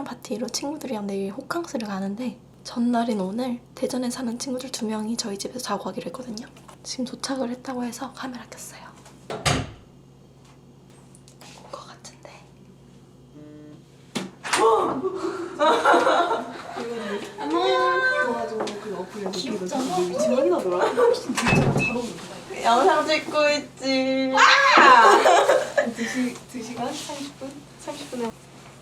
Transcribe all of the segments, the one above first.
파티로 친구들이랑 내일 호캉스를 가는데 전날인 오늘 대전에 사는 친구들 2명이 저희 집에서 자고 가기로 했거든요. 지금 도착을 했다고 해서 카메라 켰어요. 온 것 같은데. 귀엽잖아. 영상 찍고 있지. 2시간? 30분에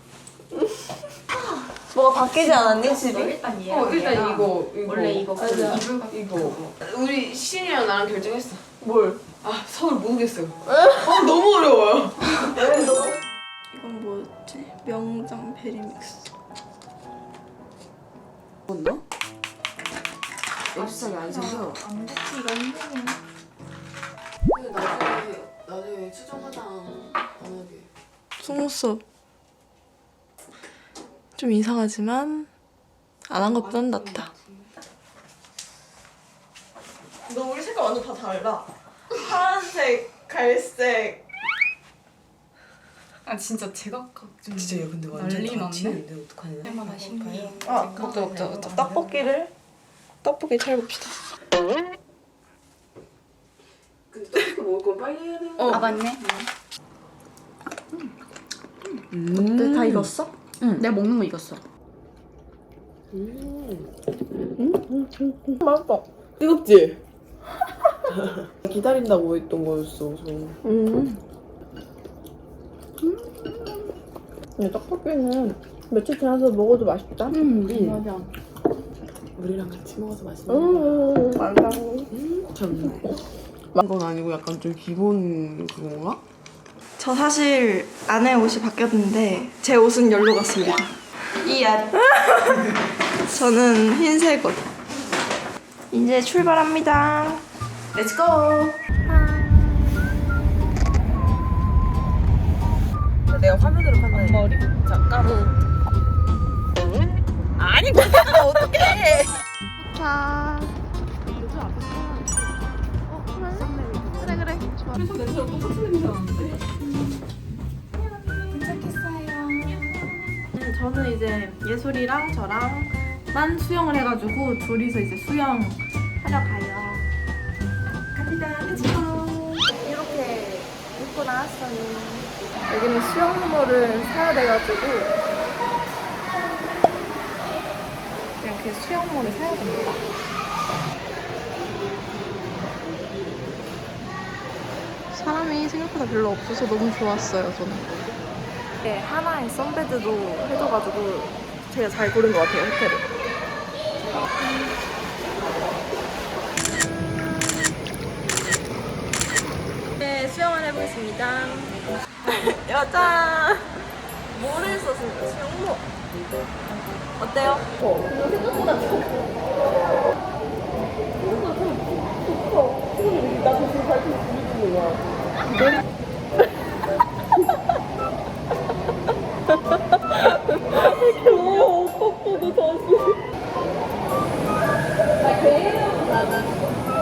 뭐가 바뀌지 않았니 집이? 일단 이거 원래 이거 이거 우리 신이랑 나랑 결정했어. 뭘? 서울 모르겠어요. 너무 어려워요. 이건 뭐였지? 명장 베리믹스. 뭔가? 앱스상이 안 생겨. 안 붙이기가 힘드네. 근데 나중에 수정 화장 안 하게. 속눈썹 좀 이상하지만 안 한 것보단 낫다. 너 우리 색깔 완전 다 달라. 파란색, 갈색. 진짜 제각각 좀 진짜 얘 근데 완전 난리 다 났네. 튀는데 어떡하냐? 때마다 신기해. 먹자. 떡볶이 차려봅시다. 근데 떡볶이 먹을 건 빨리 해야 돼. 맞네. 어때? 다 익었어? 응, 내가 먹는 거 익었어. 맛있어. 뜨겁지? 기다린다고 했던 거였어. 근데 떡볶이는 며칠 지나서 먹어도 맛있다. 맞아. 우리랑 같이 먹어서 맛있는 거. 맞아. 참. 건 아니고 약간 좀 기본 그건가? 저 사실 안에 옷이 바뀌었는데 제 옷은 열로 갔습니다. 저는 흰색 옷. 이제 출발합니다. Let's go! 내가 화면으로 판단해. 머리. 잠깐. 아니, 어떡해! 자. 그래. 좋아. 저는 이제 예솔이랑 저랑만 수영을 해가지고 둘이서 이제 수영 하러 가요. 갑니다. 렛츠고. 이렇게 입고 나왔어요. 여기는 수영모를 사야 돼가지고 이렇게 수영모를 사야 됩니다. 사람이 생각보다 별로 없어서 너무 좋았어요, 저는. 네, 하나의 선베드도 해줘가지고 제가 잘 고른 것 같아요, 호텔을. 네, 수영을 해보겠습니다. 여자! 뭐를 썼습니까? 수영모. 어때요? 생각보다 나도 지금 발톱이 부딪히는 거야. 귀여워, 떡볶이도 다시. 나 개인으로 나는.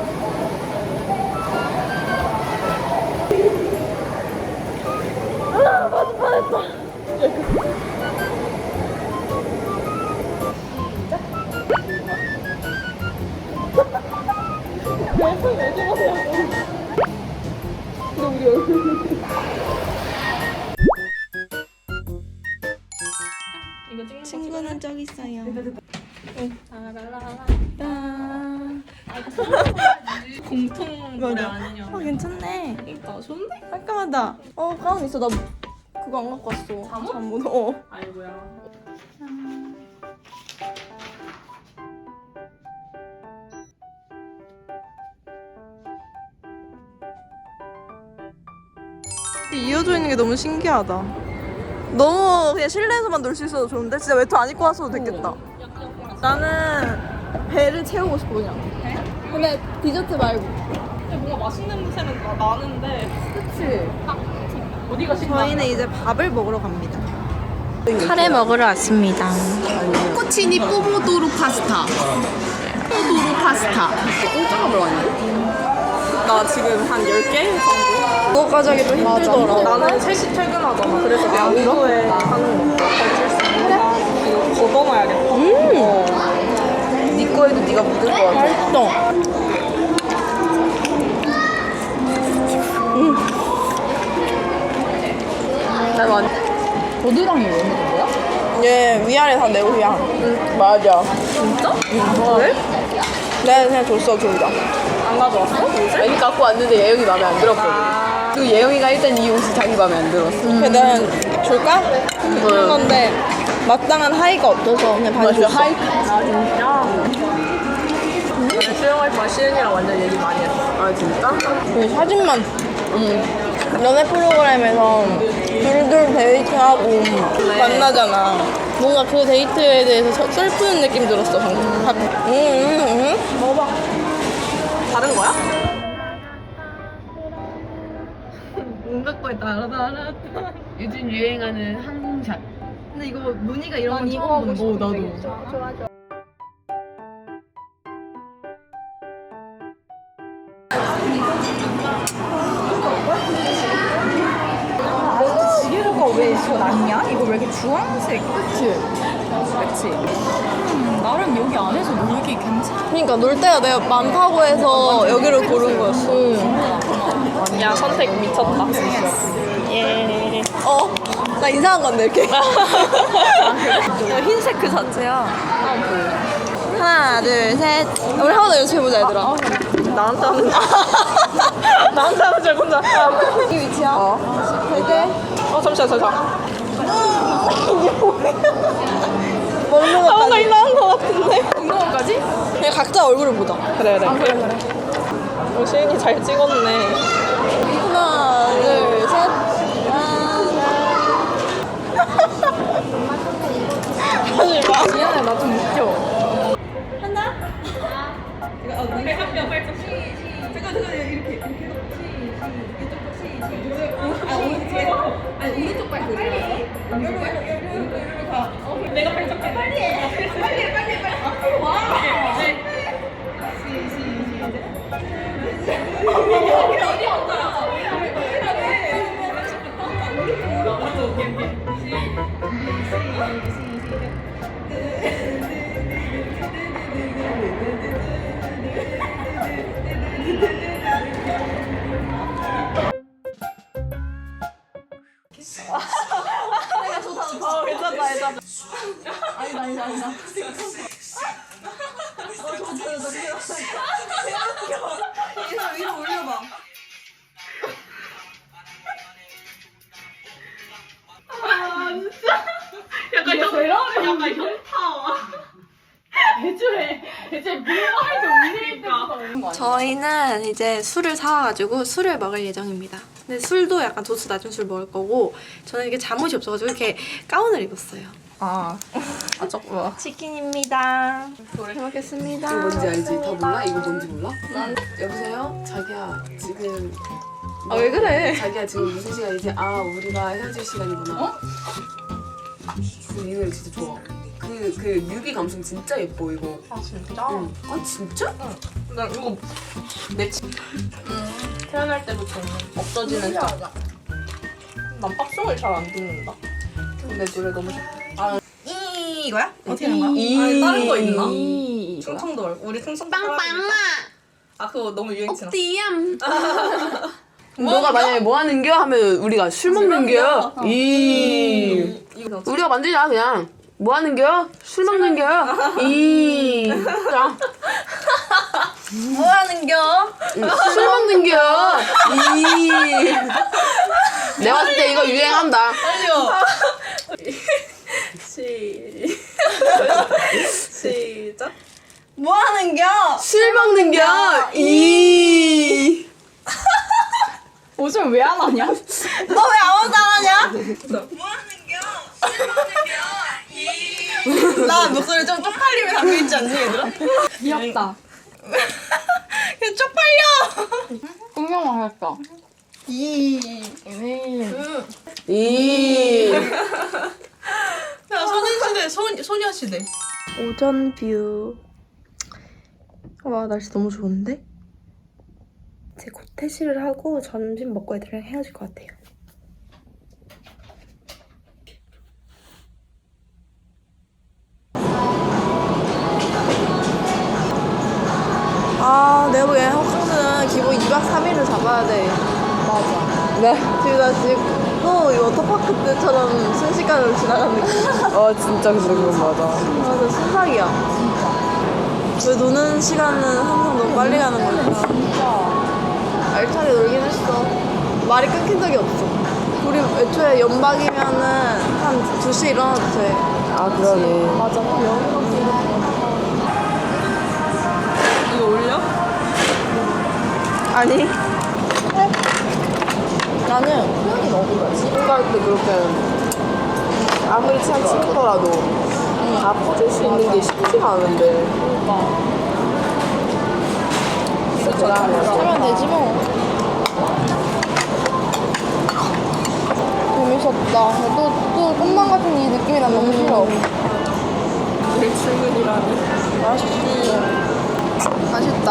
맞을 뻔했다. 왜 저러세요? 근데 우리 얼굴. 친구는 저기 있어요. 공통 노래 맞아. 아니냐. 괜찮네. 그러니까 좋은데? 깔끔하다. 가운 있어. 나 그거 안 갖고 왔어. 잠옷. 아이고야. 이어져 있는 게 너무 신기하다. 너무 그냥 실내에서만 놀 수 있어도 좋은데 진짜 외투 안 입고 왔어도 됐겠다. 나는 배를 채우고 싶어 그냥. 배? 근데 디저트 말고. 근데 뭔가 맛있는 냄새는 나는데 그치? 어디가 신나? 저희는 이제 밥을 먹으러 갑니다. 카레 먹으러 왔습니다. 코치니 뽀모도로 파스타. 뽀모도로 파스타. 공짜가 별로 아닌데? 나 지금 한 10개 정도? 그거까지 하기 좀 힘들더라. 나는 3시 퇴근하잖아. 그래서 내가 오후에 하는 거. 이거 걷어놔야겠다. 네 거에도 네가 묻을 것 같아. 맛있어. 나 완. 고드랑이 왜 먹는 거야? 얘 위아래 다 내 옷이야. 맞아. 진짜? 그래? 내가 그냥 줬어, 둘 다. 안 가져왔어? 아니 갖고 왔는데 예영이 마음에 안 들었거든. 그리고 예영이가 일단 이 옷이 자기 마음에 안 들었어. 그래서 내가 줄까? 한 건데 마땅한 하의가 없어서 그냥 반이 줬어. 하이. 수영할 때 시은이랑 완전 얘기 많이 했어. 아 진짜? 그 사진만 연애 프로그램에서 둘둘 데이트하고 만나잖아. 뭔가 그 데이트에 대해서 슬프는 느낌 들었어 방금. 먹어봐. 다른 거야? 문각거에 따라따라. 요즘 유행하는 항공샷. 근데 이거 무늬가 이런 건 이거 처음 하고 본다. 나도. 지게루가 왜 이거 낫냐? 이거 왜 이렇게 주황색? 그치? 나름 여기 안에서 놀기 괜찮아. 그러니까 놀 때가 내가 많다고 해서 여기를 고른 거였어. 야 선택 미쳤다. 예. 나 이상한 건데 이렇게. 야, 흰색 그 자체야. 하나, 둘, 셋. 우리 한 번 더 연습해보자, 얘들아. 나한테 하는 나한테 하는 줄 혼자. 이 위치야. 되게 잠시만. 먹는 것까지. 뭔가 이상한 것 같은데. 이런 거까지? 그냥 각자 얼굴을 보자. 그래. 시은이 잘 찍었네. 하나, 둘, 셋. 하지 마. 미안해, 나 좀 웃겨. 괜찮다. 아니다. 위로 올려봐. 약간 현타. 애초에 뭐할 때 울리니까. 저희는 이제 술을 사와가지고 술을 먹을 예정입니다. 근데 술도 약간 도수 낮은 술 먹을 거고 저는 이게 잠옷이 없어가지고 이렇게 가운을 입었어요. 조금. 치킨입니다. 잘 먹겠습니다. 이거 뭔지 알지? 다 몰라? 이거 뭔지 몰라? 여보세요? 자기야 지금 왜 그래? 자기야 지금 무슨 시간이지? 아 우리가 헤어질 시간이구나. 이 노래 진짜 좋아. 그 뮤비 감성 진짜 예뻐 이거. 아 진짜? 응. 아 진짜? 나 이거 내 태어날 때부터 없어지는 짝. 난 팝송을 잘 안 듣는다. 근데 노래 너무 좋다. 이거야? 어떻게 하는 거야? 아니, 다른 거 있나? 충청도 우리 충청도 빵빵아. 아 그거 너무 유행 지났어. 띠암. 너가 만약에 뭐 하는겨 하면 우리가 술 먹는겨. 이거 우리가 만들자 그냥. 뭐 하는겨? 술 먹는겨. 자. 뭐 하는겨? 술 먹는겨. 내가 봤을 때 이거 유행한다. 빨리요. 시작. 뭐 하는겨? 술 먹는겨. 요즘 왜 안 하냐? 너 왜 아무도 안 하냐? 뭐 하는겨? 술 먹는겨? 나 목소리 좀 쪽팔림에 담겨있지 않니 얘들아? 귀엽다. 그냥 쪽팔려. 공룡만 할까? 야 소년시대 소녀시대. 오전 뷰. 와 날씨 너무 좋은데? 이제 곧 퇴실을 하고 점심 먹고 애들이랑 헤어질 것 같아요. 3일을 잡아야 돼. 맞아. 네. 지금 나 지금 또 이 워터파크 때처럼 순식간으로 지나간 느낌. 진짜 근데 그건 맞아. 맞아, 순삭이야. 진짜. 왜 노는 시간은 항상 너무 빨리 가는 걸까? 진짜. 알차게 놀긴 했어. 말이 끊긴 적이 없어. 우리 애초에 연박이면은 한 2시에 일어나도 돼. 아 그러네. 맞아. 이거 올려? 아니. 나는 표현이 너무 그렇지. 생각할 때 그렇게 아무리 친한 친구더라도 다 퍼줄 수 있는 게 쉽지가 않은데. 진짜 대단해. 하면 되지 뭐. 재밌었다. 또 꿈만 같은 이 느낌이 난 너무 싫어. 내일 출근이라니. 맛있다.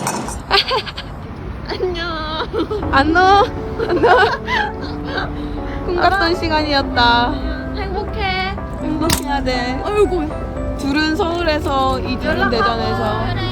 안녕. 꿈 같던 시간이었다. 행복해. 행복해야 돼. 아이고. 둘은 서울에서, 이둘은 대전에서.